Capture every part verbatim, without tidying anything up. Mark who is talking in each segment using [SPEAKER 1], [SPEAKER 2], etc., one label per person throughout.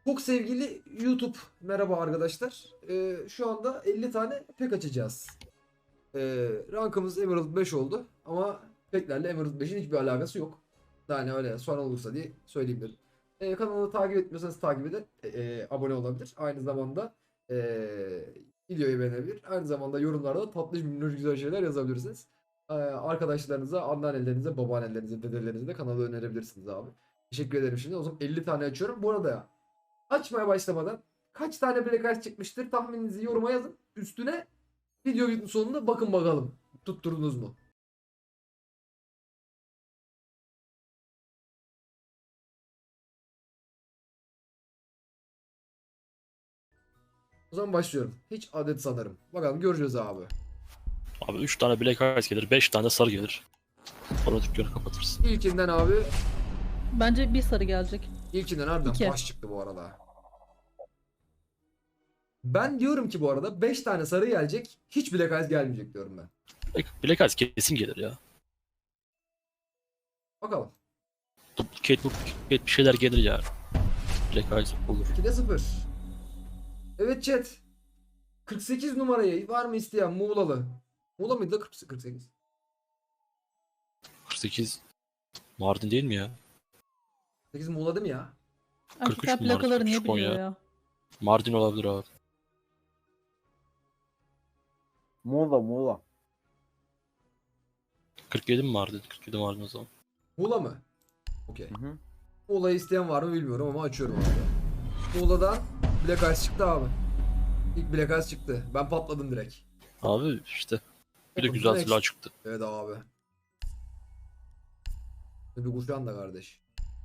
[SPEAKER 1] Çok sevgili YouTube, merhaba arkadaşlar. Ee, şu anda elli tane pek açacağız. Ee, rankımız Emerald beş oldu ama peklerle Emerald beşin hiçbir alakası yok. Yani öyle sorun olursa diye söyleyeyim dedim. Ee, kanalı takip etmiyorsanız takip edin, e, e, abone olabilir. Aynı zamanda e, videoyu beğenebilir. Aynı zamanda yorumlarda tatlı minnoş güzel şeyler yazabilirsiniz. Ee, arkadaşlarınıza, anneannelerinize, babaannelerinize, dedelerinize de kanalı önerebilirsiniz abi. Teşekkür ederim şimdi. O zaman elli tane açıyorum. Bu arada ya, açmaya başlamadan kaç tane Black Ice çıkmıştır tahmininizi yoruma yazın. Üstüne video sonunda bakın bakalım. Tutturdunuz mu? O zaman başlıyorum. Hiç adet sanırım. Bakalım göreceğiz abi.
[SPEAKER 2] Abi üç tane Black Ice gelir, beş tane sarı gelir. Sonra dükkanı kapatırsın.
[SPEAKER 1] İlkinden abi.
[SPEAKER 3] Bence bir sarı gelecek.
[SPEAKER 1] İlkinden harbiden
[SPEAKER 3] İki.
[SPEAKER 1] baş çıktı bu arada. Ben diyorum ki bu arada beş tane sarı gelecek. Hiç Black Ice gelmeyecek diyorum ben.
[SPEAKER 2] Black, Black Ice kesin gelir ya.
[SPEAKER 1] Bakalım.
[SPEAKER 2] Duplicate, duplicate bir şeyler gelir ya. Black Ice olur.
[SPEAKER 1] ikide sıfır. Evet chat. kırk sekiz numarayı var mı isteyen Muğlalı? Muğla mıydı da kırk sekiz?
[SPEAKER 2] kırk sekiz Mardin değil mi ya?
[SPEAKER 1] sekiz Muğla değil mi ya?
[SPEAKER 2] kırk üç
[SPEAKER 3] Erkekler
[SPEAKER 2] mi Mardin,
[SPEAKER 3] plakaları niye
[SPEAKER 2] kırk üç Konya.
[SPEAKER 3] biliyor ya?
[SPEAKER 2] Mardin olabilir abi.
[SPEAKER 4] Muğla Muğla.
[SPEAKER 2] kırk yedi mi Mardin? kırk yedi Mardin o zaman.
[SPEAKER 1] Muğla mı? Okey.
[SPEAKER 4] Hı hı.
[SPEAKER 1] Muğla'yı isteyen var mı bilmiyorum ama açıyorum abi. Muğla'dan Black Ice çıktı abi. İlk Black Ice çıktı. Ben patladım direkt.
[SPEAKER 2] Abi işte. Bir de
[SPEAKER 1] Oğlum,
[SPEAKER 2] güzel
[SPEAKER 1] direkt-
[SPEAKER 2] silah çıktı.
[SPEAKER 1] Evet abi. Bir kuşan da kardeş.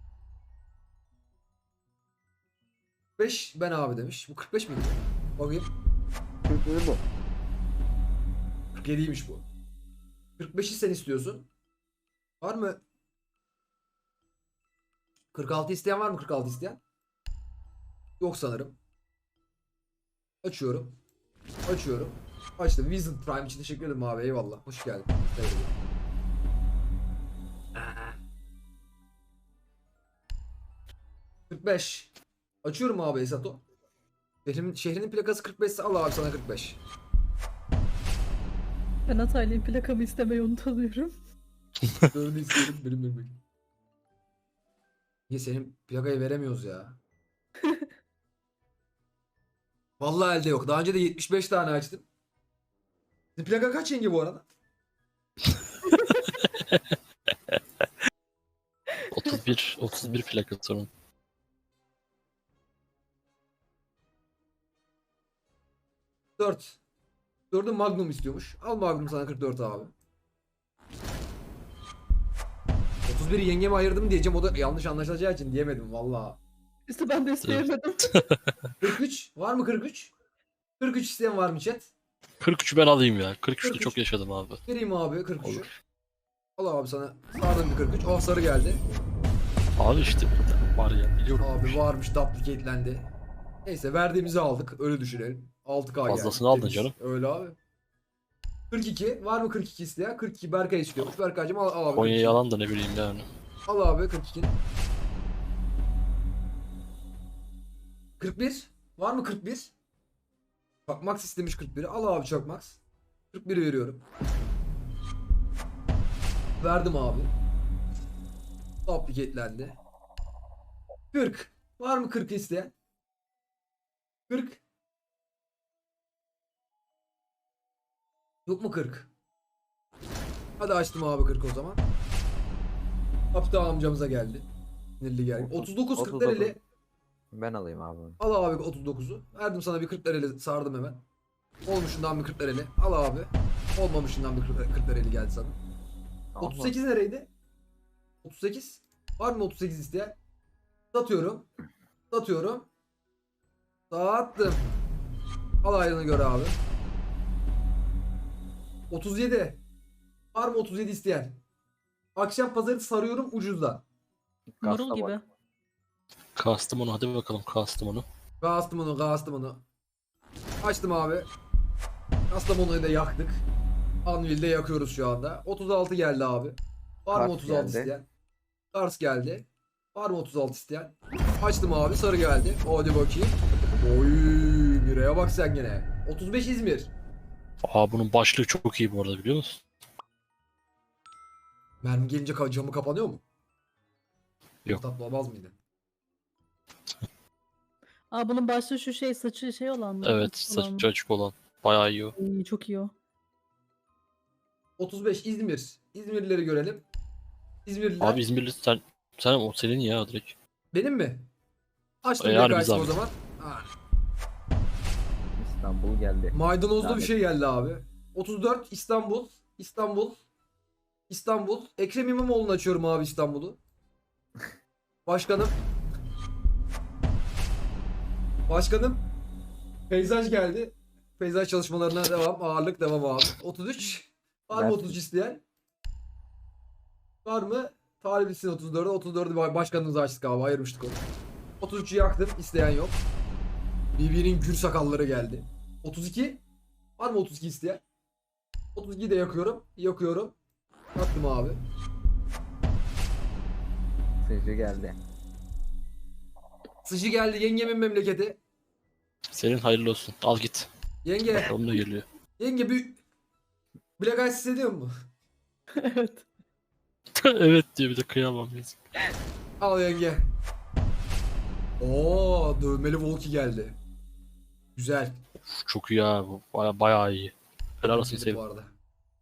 [SPEAKER 1] beş ben abi demiş. Bu kırk beş miydi? Bakayım.
[SPEAKER 4] kırk yedi bu.
[SPEAKER 1] kırk yediymiş bu. kırk beşi sen istiyorsun. Var mı? kırk altı isteyen var mı kırk altı isteyen? Yok sanırım. Açıyorum. Açıyorum. Açtım. Vision Prime için teşekkür ederim abi. Eyvallah. Hoş geldin. Eyvallah. kırk beş. Açıyorum abi Esato. Şehrimin, şehrinin plakası kırk beş ise al abi sana kırk beş.
[SPEAKER 3] Ben Hataylı'nın plakamı istemeyi unutuyorum.
[SPEAKER 1] Dördünü isteyelim benim benim. Niye senin plakayı veremiyoruz ya? Vallahi elde yok. Daha önce de yetmiş beş tane açtım. Senin plaka kaç yenge bu arada?
[SPEAKER 2] otuz bir otuz bir plaka sorun.
[SPEAKER 1] dört. dördü Magnum istiyormuş. Al Magnum sana kırk dört abi. otuz biri yengeme ayırdım diyeceğim. O da yanlış anlaşılacağı için diyemedim vallahi.
[SPEAKER 3] İşte ben de isteyemedim.
[SPEAKER 1] kırk üç. Var mı kırk üç? kırk üç isteyen var mı chat?
[SPEAKER 2] kırk üçü ben alayım ya. kırk üçte
[SPEAKER 1] kırk üç.
[SPEAKER 2] çok yaşadım abi.
[SPEAKER 1] Vereyim abi kırk üçü.
[SPEAKER 2] Olur.
[SPEAKER 1] Al abi sana. Sardım bir kırk üç. Oh sarı geldi.
[SPEAKER 2] Abi işte var ya biliyorum.
[SPEAKER 1] Abi varmış duplicatelendi. Neyse verdiğimizi aldık. Öyle düşünelim. altı K geldi.
[SPEAKER 2] Fazlasını aldın
[SPEAKER 1] Temiz.
[SPEAKER 2] canım.
[SPEAKER 1] Öyle abi. kırk iki. Var mı kırk iki isteyen? kırk iki Berkay istiyormuş. Berkay'cım al, al abi.
[SPEAKER 2] Konya
[SPEAKER 1] kırk iki.
[SPEAKER 2] yalan da ne bileyim yani.
[SPEAKER 1] Al abi kırk iki. kırk bir. Var mı kırk bir? Bak Max istemiş kırk biri. Al abi çok Max. kırk biri veriyorum. Verdim abi. Duplicatelendi. kırk. Var mı kırk isteyen? kırk. Yok mu kırk? Hadi açtım abi kırk o zaman. Kaptan amcamıza geldi. Sinirli geldi. otuz dokuz kırk lirayla
[SPEAKER 4] Ben alayım abi.
[SPEAKER 1] al abi otuz dokuzu. Verdim sana bir kırk lirayla sardım hemen. Olmuşundan bir kırk lirayla al abi. Olmamışından bir kırk lirayla geldi sana. otuz sekiz nereydi? otuz sekiz. Var mı otuz sekiz isteyen? Satıyorum. Satıyorum. Sattım. Al ayrını gör abi. otuz yedi. Var mı otuz yedi isteyen? Akşam pazarı sarıyorum ucuzdan.
[SPEAKER 3] Marul gibi.
[SPEAKER 2] Kastım onu, hadi bakalım kastım onu.
[SPEAKER 1] Kastım onu, kastım onu. Açtım abi. Kastamonu'yu da yaktık. Anvil'de yakıyoruz şu anda. otuz altı geldi abi. Var mı
[SPEAKER 4] Kars
[SPEAKER 1] otuz altı
[SPEAKER 4] geldi.
[SPEAKER 1] isteyen? Kars geldi. Var mı otuz altı isteyen? Açtım abi, sarı geldi. Hadi bakayım. Oy, bireye bak sen gene. otuz beş İzmir.
[SPEAKER 2] Aa bunun başlığı çok iyi bu arada, biliyor musun?
[SPEAKER 1] Mermi gelince ka- camı kapanıyor mu?
[SPEAKER 2] Yok.
[SPEAKER 1] Tatlı olmaz mıydı?
[SPEAKER 3] Aa bunun başlığı şu şey, saçı şey olan mı?
[SPEAKER 2] Evet,
[SPEAKER 3] Açık olan mı?
[SPEAKER 2] saçı açık olan. Bayağı iyi o.
[SPEAKER 3] İyi, çok iyi o.
[SPEAKER 1] otuz beş İzmir. İzmirlileri görelim. İzmirliler.
[SPEAKER 2] Abi İzmirli sen, sen o senin ya direkt.
[SPEAKER 1] Benim mi? Açtım
[SPEAKER 2] Yani
[SPEAKER 1] bir
[SPEAKER 2] biz
[SPEAKER 1] o
[SPEAKER 2] abi.
[SPEAKER 1] zaman. Ha,
[SPEAKER 4] İstanbul geldi.
[SPEAKER 1] maydanozlu bir
[SPEAKER 4] Lanet.
[SPEAKER 1] şey geldi abi. otuz dört İstanbul. İstanbul. İstanbul. Ekrem İmamoğlu'nu açıyorum abi, İstanbul'u. Başkanım. Başkanım. Peyzaj geldi. Peyzaj çalışmalarına devam. Ağırlık devam abi. otuz üç. Var mı
[SPEAKER 4] Ben-
[SPEAKER 1] otuz üç isteyen? Var mı? Talibisin otuz dörde. otuz dördü başkanımıza açtık abi. Ayırmıştık onu. otuz üçü yaktım. İsteyen yok. B B'nin gür sakalları geldi. otuz iki. Var mı otuz iki isteyen? otuz ikiyi de yakıyorum. Yakıyorum. Yaktım abi.
[SPEAKER 4] Sıcı geldi.
[SPEAKER 1] Sıcı geldi. Yengemin memleketi.
[SPEAKER 2] Senin hayırlı olsun. Al git.
[SPEAKER 1] Yenge.
[SPEAKER 2] Bakalım ne geliyor.
[SPEAKER 1] Yenge bir Black Ice hissediyor mu?
[SPEAKER 3] Evet.
[SPEAKER 2] Evet diyor bir de, kıyamam yazık.
[SPEAKER 1] Al yenge. Oo, dövmeli Volki geldi. Güzel.
[SPEAKER 2] Uf, çok iyi ya bu. Baya, bayağı iyi. Helal olsun
[SPEAKER 1] Dedim
[SPEAKER 2] sevim.
[SPEAKER 1] bu arada.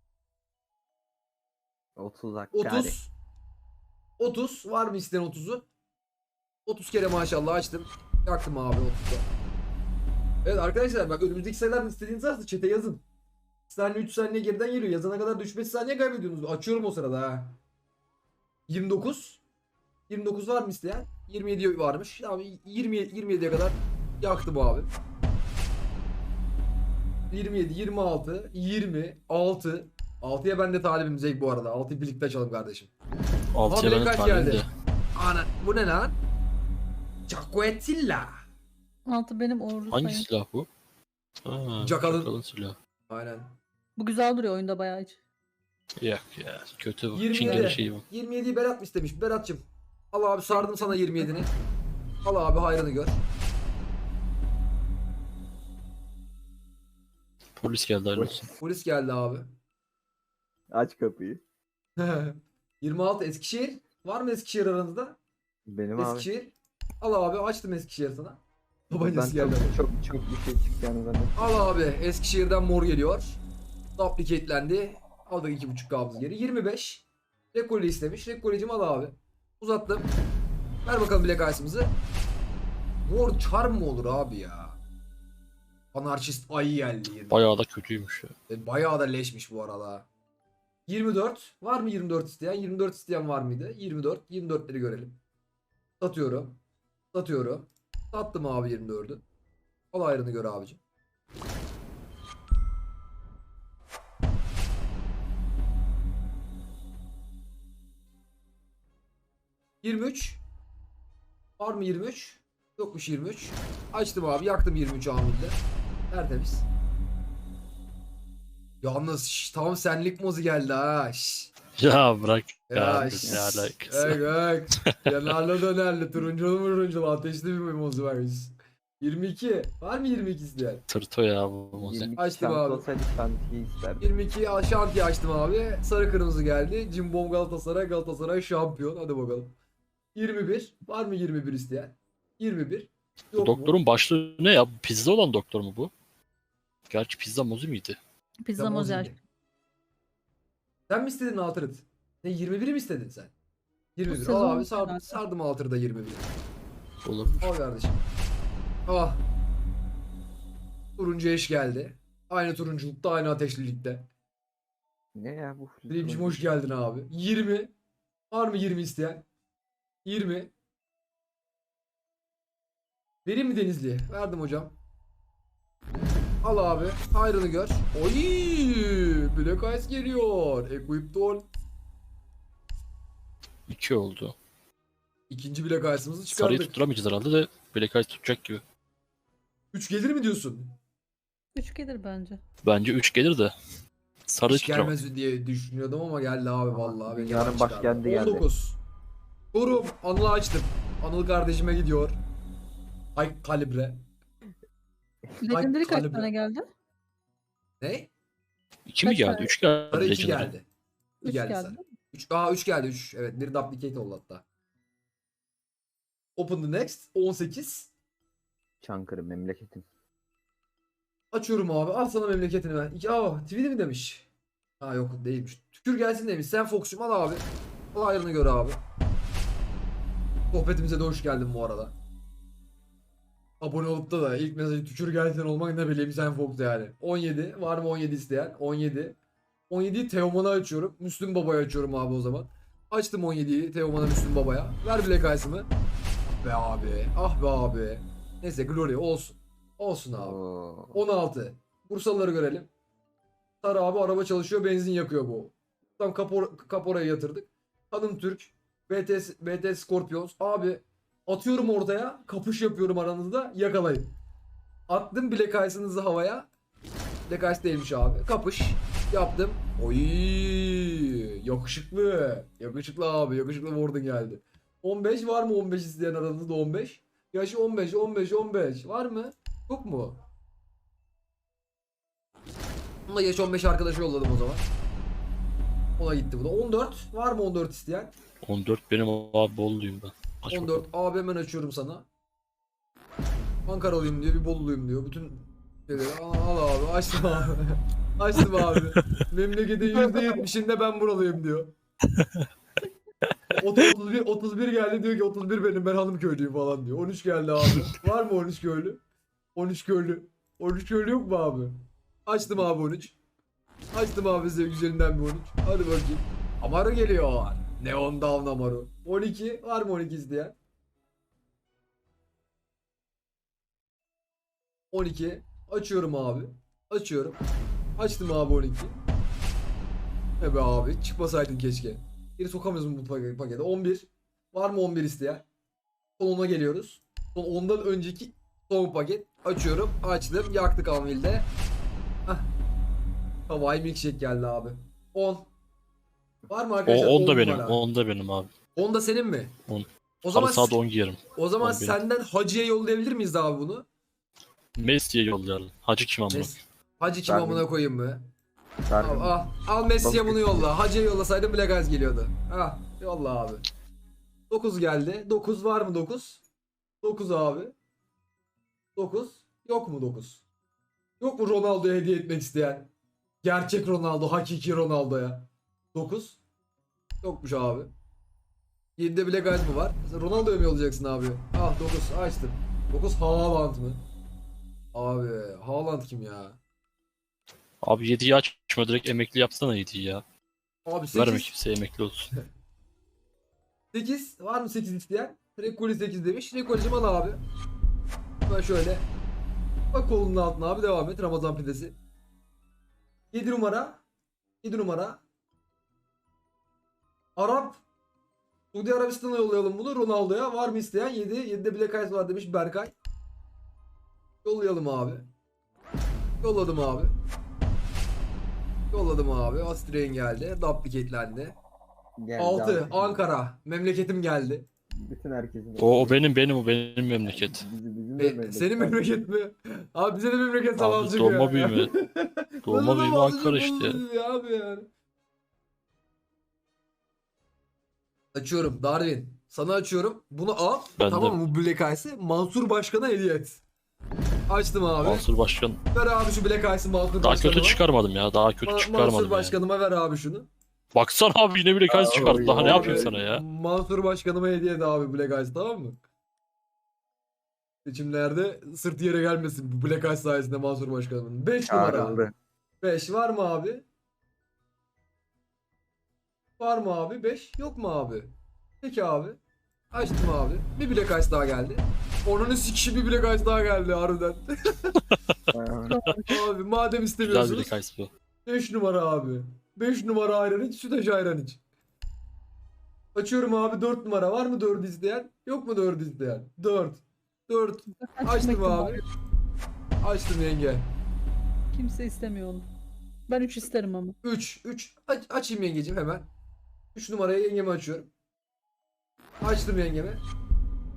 [SPEAKER 4] otuz Hakkari.
[SPEAKER 1] otuz. otuz. Var mı isteyen otuzu? otuz kere maşallah açtım. Yaktım abi otuzu. Evet arkadaşlar, bak önümüzdeki sayılardan istediğiniz varsa chat'e yazın. iki saniye üç saniye geriden geliyor. Yazana kadar düşmesi saniye kaybediyorsunuz. Açıyorum o sırada ha. yirmi dokuz. yirmi dokuz var mı isteyen? yirmi yedi varmış. Tamam, yirmi yirmi yediye kadar yaktım abi. yirmi yedi, yirmi altı, yirmi, altı. altıya ben de talibim Zeyk bu arada. altıyı birlikte açalım kardeşim.
[SPEAKER 2] Altıya
[SPEAKER 1] Abi
[SPEAKER 2] ben de
[SPEAKER 1] kaç
[SPEAKER 2] talibim
[SPEAKER 1] geldi?
[SPEAKER 2] de.
[SPEAKER 1] Ana bu ne lan? Cacuetilla.
[SPEAKER 3] Altı benim uğurlu
[SPEAKER 2] Hangi
[SPEAKER 3] sayım.
[SPEAKER 2] silah bu? Ha,
[SPEAKER 1] Çakalın.
[SPEAKER 2] çakalın silahı.
[SPEAKER 1] Aynen.
[SPEAKER 3] Bu güzel duruyor oyunda bayağı hiç.
[SPEAKER 2] Yok ya, kötü bu.
[SPEAKER 1] yirmi
[SPEAKER 2] Çingene
[SPEAKER 1] yedi.
[SPEAKER 2] şeyi bu.
[SPEAKER 1] yirmi yediyi Berat mı istemiş? Berat'cığım. Al abi, sardım sana yirmi yedini. Al abi, hayrını gör.
[SPEAKER 2] Polis geldi, hayırlı olsun.
[SPEAKER 1] Polis geldi abi.
[SPEAKER 4] Aç kapıyı.
[SPEAKER 1] yirmi altı Eskişehir. Var mı Eskişehir aranızda?
[SPEAKER 4] Benim abi.
[SPEAKER 1] Eskişehir. Al abi, açtım Eskişehir sana.
[SPEAKER 4] Ben
[SPEAKER 1] Tabancası
[SPEAKER 4] çok,
[SPEAKER 1] geldi.
[SPEAKER 4] çok çok bir şey çıkacağını zannettim.
[SPEAKER 1] Al abi, Eskişehir'den mor geliyor. Duplicatelendi. Aldık iki buçuk kabız geri. yirmi beş. Rekoli istemiş. Rekolicim al abi. Uzattım. Ver bakalım Black Ice'ımızı. Mor charm mı olur abi ya? Anarşist ayı geldi. yirmi.
[SPEAKER 2] Bayağı da kötüymüş ya.
[SPEAKER 1] E, Bayağı da leşmiş bu arada. yirmi dört. Var mı yirmi dört isteyen? yirmi dört isteyen var mıydı? yirmi dört. yirmi dörtleri görelim. Satıyorum. Satıyorum. Sattım abi yirmi dördü. Al ayrını gör abicim. yirmi üç. Var mı yirmi üç? Yokmuş yirmi üç. Açtım abi, yaktım yirmi üç amilde. Tertemiz. Yalnız şş, tam senlik mozu geldi ha. Şş.
[SPEAKER 2] Ya bırak
[SPEAKER 1] Ya,
[SPEAKER 2] ya.
[SPEAKER 1] şş.
[SPEAKER 2] Ne alakası.
[SPEAKER 1] Bak bak. Yanarlı dönerli. Turunculu murunculu. Ateşli bir mozu varmış. yirmi iki. Var mı yirmi iki isteyen?
[SPEAKER 2] Tırto ya bu moze.
[SPEAKER 4] yirmi iki
[SPEAKER 1] Açtım
[SPEAKER 4] şans
[SPEAKER 1] abi.
[SPEAKER 4] olsaydı şantiyi isterdim.
[SPEAKER 1] yirmi iki al- şantiye açtım abi. Sarı kırmızı geldi. Cimbom Galatasaray. Galatasaray şampiyon. Hadi bakalım. yirmi bir. Var mı yirmi bir isteyen? yirmi bir.
[SPEAKER 2] Bu
[SPEAKER 1] Yok mu?
[SPEAKER 2] doktorun başlığı ne ya? Pizza olan doktor mu bu? Gerçi pizza mozu muydu?
[SPEAKER 3] Pizza
[SPEAKER 1] Tamam,
[SPEAKER 3] mozel.
[SPEAKER 1] şimdi. Sen mi istedin Altırıt? Ne yirmi biri mi istedin sen? yirmi bir. Al
[SPEAKER 3] sezon
[SPEAKER 1] abi, sardım,
[SPEAKER 3] herhalde.
[SPEAKER 1] sardım Altırıt'a yirmi bir.
[SPEAKER 2] Olabilir.
[SPEAKER 1] Al kardeşim. Ah. Turuncu eş geldi. Aynı turunculukta, aynı ateşlilikte.
[SPEAKER 4] Ne ya bu?
[SPEAKER 1] Dilimcim hoş geldin abi. yirmi. Var mı yirmi isteyen? yirmi. Vereyim mi Denizli'ye? Verdim hocam. Al abi. Hayrını gör. Oy! Black Ice geliyor. Equipped ol.
[SPEAKER 2] İki oldu.
[SPEAKER 1] İkinci Black Ice'ımızı
[SPEAKER 2] Sarıyı
[SPEAKER 1] çıkardık.
[SPEAKER 2] tutturamayacağız herhalde de Black Ice tutacak gibi.
[SPEAKER 1] üç gelir mi diyorsun?
[SPEAKER 3] üç gelir bence.
[SPEAKER 2] Bence üç gelir de. Sarıyı
[SPEAKER 1] Hiç
[SPEAKER 2] tutturamadık.
[SPEAKER 1] gelmez diye düşünüyordum ama geldi abi vallahi. Beni
[SPEAKER 4] Dünyanın
[SPEAKER 1] çıkardı.
[SPEAKER 4] başkenti geldi.
[SPEAKER 1] on dokuz. Korum. Anla açtım. Anıl kardeşime gidiyor. Ay kalibre.
[SPEAKER 3] Legendary kaç
[SPEAKER 1] kalibre.
[SPEAKER 3] tane geldi?
[SPEAKER 1] Ne?
[SPEAKER 2] İki mi
[SPEAKER 3] Kaç
[SPEAKER 2] geldi?
[SPEAKER 3] tane?
[SPEAKER 2] Üç geldi.
[SPEAKER 1] Sarı iki
[SPEAKER 2] Legendary.
[SPEAKER 1] geldi.
[SPEAKER 3] Üç
[SPEAKER 1] geldi
[SPEAKER 3] geldi.
[SPEAKER 1] sarı. üç, aa üç geldi üç. Evet bir duplicate oldu hatta. Open the next. on sekiz.
[SPEAKER 4] Çankırı memleketim.
[SPEAKER 1] Açıyorum abi. Al sana memleketini ben. İki, aa Tweety mi demiş? Ha yok değilmiş. Tükür gelsin demiş. Sen Fox'cum al abi. Al ayrını gör abi. Sohbetimize de hoş geldin bu arada. Abone olup da da ilk mesajı tükür gelsin olmak ne bileyim sen Fox yani. on yedi. Var mı on yedi isteyen? on yedi. on yediyi Teoman'a açıyorum. Müslüm Baba'ya açıyorum abi o zaman. Açtım on yediyi Teoman'a Müslüm Baba'ya. Ver Black Ice'ımı. Be abi. Ah be abi. Neyse Glory olsun. Olsun abi.
[SPEAKER 4] Oo.
[SPEAKER 1] on altı. Bursalıları görelim. Sarı abi araba çalışıyor benzin yakıyor bu. Tam kapor, kaporaya yatırdık. Kadın Türk. B T, B T Scorpions. Abi atıyorum ortaya. Kapış yapıyorum aranızda. Yakalayın. Attım Black Ice'ınızı havaya. Black Ice değilmiş abi. Kapış. Yaptım. Oy yakışıklı. Yakışıklı abi. Yakışıklı Warden geldi. on beş var mı on beş isteyen aranızda on beş? Yaşı on beş, on beş, on beş. Var mı? Yok mu? Ona yaş on beş arkadaşı yolladım o zaman. Ona gitti bu da. on dört. Var mı on dört isteyen?
[SPEAKER 2] on dört benim abi Bolu'luyum ben. Aç
[SPEAKER 1] on
[SPEAKER 2] bakalım.
[SPEAKER 1] dört. Abi hemen açıyorum sana. Ankaralıyım diyor. Bir Boluluyum diyor. Bütün şeyleri al, al abi. Açtım abi. Açtım abi. Memleketin yüzde yetmişinde ben buralıyım diyor. otuz bir, otuz bir geldi diyor ki otuz bir benim ben hanım köylüyüm falan diyor. on üç geldi abi. Var mı on üç köylü? on üç köylü. on üç köylü yok mu abi? Açtım abi on üç. Açtım abi size güzelinden bir on üç. Hadi bakayım. Amaru geliyor. Neon Down Amaru. on iki. Var mı on iki isteyen? on iki. Açıyorum abi. Açıyorum. Açtım abi on iki. Ne be abi. Çıkmasaydın keşke. Geri sokamıyoruz mu bu paket- pakete? on bir. Var mı on bir isteyen? Son ona geliyoruz. Son ondan önceki son paket. Açıyorum. Açtım. Yaktık Anvil'de. Hah. Hawaii milkshake geldi abi. on. Var mı
[SPEAKER 2] O
[SPEAKER 1] arkadaşlar?
[SPEAKER 2] on da
[SPEAKER 1] on
[SPEAKER 2] benim.
[SPEAKER 1] numara.
[SPEAKER 2] on da benim abi.
[SPEAKER 1] on da senin mi?
[SPEAKER 2] on.
[SPEAKER 1] O
[SPEAKER 2] Sarı
[SPEAKER 1] zaman
[SPEAKER 2] sağda on giyerim.
[SPEAKER 1] o zaman
[SPEAKER 2] on benim.
[SPEAKER 1] senden Hacı'ya yollayabilir miyiz abi bunu?
[SPEAKER 2] Messi'ye yollayalım. Hacı kim amına?
[SPEAKER 1] Mes- Hacı kim
[SPEAKER 4] Ben-
[SPEAKER 1] amına koyayım mı? Al,
[SPEAKER 4] Darwin.
[SPEAKER 1] al, al Messi'ye
[SPEAKER 4] Balık
[SPEAKER 1] bunu
[SPEAKER 4] ettim.
[SPEAKER 1] yolla. Hacı'ya yollasaydın Black Eyes geliyordu. Ah yolla abi. dokuz geldi. dokuz var mı dokuz? dokuz abi. dokuz. Yok mu dokuz? Yok mu Ronaldo'ya hediye etmek isteyen? Gerçek Ronaldo, hakiki Ronaldo'ya. dokuz. Yokmuş abi. yedide Black Eyes mı var? Sen Ronaldo'ya mı yollayacaksın abi? Ah dokuz açtım. dokuz Haaland mı? Abi Haaland kim ya?
[SPEAKER 2] Abi yediyi açma direkt emekli yapsana yediyi ya.
[SPEAKER 1] Abi
[SPEAKER 2] Verme
[SPEAKER 1] sekiz.
[SPEAKER 2] kimseye emekli olsun.
[SPEAKER 1] sekiz. Var mı sekiz isteyen? Rekoli sekiz demiş. Rekolcim al abi. Ben şöyle. Bak kolunun altına abi devam et. Ramazan pidesi. yedi numara. yedi numara. Arap. Suudi Arabistan'a yollayalım bunu. Ronaldo'ya. Var mı isteyen? yedi. yedide Black Eyes var demiş Berkay. Yollayalım abi. Yolladım abi. Yolladım abi. Astrain geldi. Duplicatelendi.
[SPEAKER 4] Geldi
[SPEAKER 1] altı.
[SPEAKER 4] abi.
[SPEAKER 1] Ankara. Memleketim geldi.
[SPEAKER 4] Bütün herkesin.
[SPEAKER 2] O, o benim benim o benim memleket.
[SPEAKER 4] Bizi, bizim de
[SPEAKER 1] E,
[SPEAKER 4] memleket.
[SPEAKER 1] senin memleket mi? Abi bize de memleket
[SPEAKER 2] Abi
[SPEAKER 1] savaş çıkıyor.
[SPEAKER 2] doğma büyüme. Doğma büyüme Ankara işte.
[SPEAKER 1] Ya. Abi yani. Açıyorum Darwin. Sana açıyorum. Bunu al.
[SPEAKER 2] Ben
[SPEAKER 1] tamam
[SPEAKER 2] de.
[SPEAKER 1] mı bu Black Ice'ı? Mansur Başkan'a hediye et. Açtım abi.
[SPEAKER 2] Mansur Başkan.
[SPEAKER 1] Ver abi şu Black Ice'ı Mansur
[SPEAKER 2] Daha
[SPEAKER 1] Başkanıma.
[SPEAKER 2] kötü çıkarmadım ya. Daha kötü
[SPEAKER 1] Ma- Mansur
[SPEAKER 2] çıkarmadım ya.
[SPEAKER 1] Başkanıma ver abi şunu.
[SPEAKER 2] Baksana abi yine bile kaç
[SPEAKER 4] Aa,
[SPEAKER 2] çıkardı. Daha ne
[SPEAKER 4] abi,
[SPEAKER 2] yapayım sana ya?
[SPEAKER 1] Mansur Başkanıma hediye et abi Black Ice tamam mı? Seçimlerde sırt yere gelmesin bu Black Ice sayesinde Mansur Başkanımın. beş numara.
[SPEAKER 4] Çağrıldı.
[SPEAKER 1] beş var mı abi? Var mı abi? beş yok mu abi? Peki abi. Açtım abi. Bir Black Ice daha geldi. Onun sikişi bir Black Ice daha geldi harbiden.
[SPEAKER 4] Aa,
[SPEAKER 1] Abi madem
[SPEAKER 2] Güzel bir
[SPEAKER 1] istemiyorsunuz.
[SPEAKER 2] kays bu.
[SPEAKER 1] beş numara abi. beş numara ayran iç, sütaş ayran iç. Açıyorum abi dört numara. Var mı dördü isteyen? Yok mu dördü isteyen? dört. dört. Açtım abi. Açtım yenge.
[SPEAKER 3] Kimse istemiyor onu. Ben üç isterim ama.
[SPEAKER 1] üç. üç. Aç, açayım yengecim hemen. üç numaraya yengemi açıyorum. Açtım yengemi.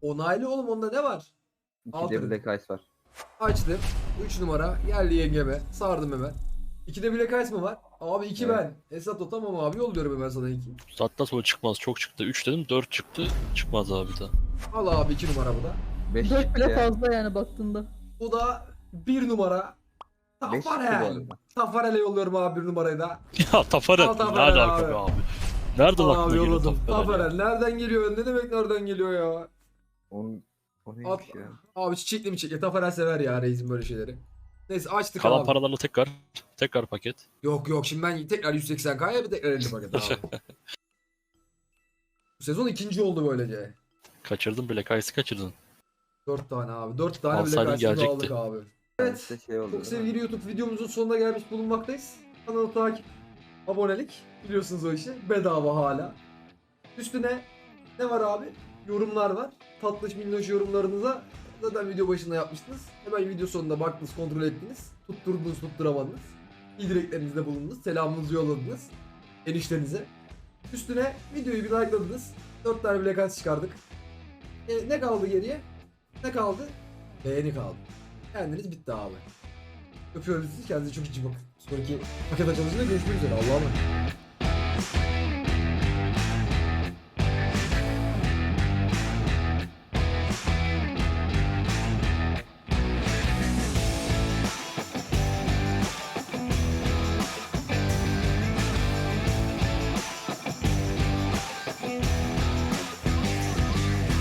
[SPEAKER 1] Onaylı oğlum, onda ne var?
[SPEAKER 4] İki
[SPEAKER 1] Altı.
[SPEAKER 4] de Black Ice var.
[SPEAKER 1] Açtım. üç numara geldi yengeme. Sardım hemen. İkide Black Ice mı var? Abi iki
[SPEAKER 4] Evet.
[SPEAKER 1] ben. Esat o tamam abi, yolluyorum hemen sana iki.
[SPEAKER 2] Hatta sonra çıkmaz. Çok çıktı. üç dedim, dört çıktı. Çıkmaz abi bir daha.
[SPEAKER 1] Al abi iki numara bu da.
[SPEAKER 4] Beş
[SPEAKER 3] Dört
[SPEAKER 4] çıktı
[SPEAKER 3] bile
[SPEAKER 4] ya.
[SPEAKER 3] fazla yani baktığında.
[SPEAKER 1] Bu da bir numara.
[SPEAKER 4] Beş çıktı bu
[SPEAKER 1] Tafarel.
[SPEAKER 4] arada.
[SPEAKER 1] Tafarel'e yolluyorum abi bir numarayı da.
[SPEAKER 2] Ya Tafarel
[SPEAKER 1] Al
[SPEAKER 2] ne
[SPEAKER 1] Tafarel
[SPEAKER 2] alaka
[SPEAKER 1] abi.
[SPEAKER 2] be abi? Nereden
[SPEAKER 1] Al
[SPEAKER 2] aklına
[SPEAKER 1] abi
[SPEAKER 2] geliyor
[SPEAKER 1] yolladım.
[SPEAKER 2] Tafarel? ya?
[SPEAKER 1] Tafarel nereden geliyor? Ne demek nereden geliyor ya?
[SPEAKER 4] Onun, o
[SPEAKER 1] At,
[SPEAKER 4] neymiş ya?
[SPEAKER 1] abi çiçekli mi çiçekli? Tafarel sever ya reisim böyle şeyleri. Neyse açtık
[SPEAKER 2] Kalan
[SPEAKER 1] abi.
[SPEAKER 2] paralarla tekrar tekrar paket.
[SPEAKER 1] Yok yok, şimdi ben tekrar yüz seksen K'ya bir tekrar elli paket abi. Bu sezon ikinci oldu böylece.
[SPEAKER 2] Kaçırdın Black Ice'ı kaçırdın.
[SPEAKER 1] dört tane abi. dört tane
[SPEAKER 2] Alsaydın
[SPEAKER 1] bile karşımıza
[SPEAKER 2] gelecekti.
[SPEAKER 1] aldık abi.
[SPEAKER 4] Evet.
[SPEAKER 1] Evet.
[SPEAKER 4] Şey oldu,
[SPEAKER 1] Çok
[SPEAKER 4] değil mi?
[SPEAKER 1] sevgili YouTube videomuzun sonuna gelmiş bulunmaktayız. Kanalı takip, abonelik. Biliyorsunuz o işi. Bedava hala. Üstüne ne var abi? Yorumlar var. Tatlış minnoş yorumlarınıza zaten video başında yapmıştınız. Hemen video sonunda baktınız, kontrol ettiniz. Tutturdunuz, tutturamadınız. İyi dileklerinizde bulundunuz. Selamınızı yolladınız. Eniştenize. Üstüne videoyu bir likeladınız. dört tane Black Ice çıkardık. E, ne kaldı geriye? Ne kaldı? Beğeni kaldı. Kendiniz bitti abi. Öpüyoruz sizi. Kendinize çok iyi bakın. Sonraki paket açılışında görüşmek üzere. Allah'a emanet.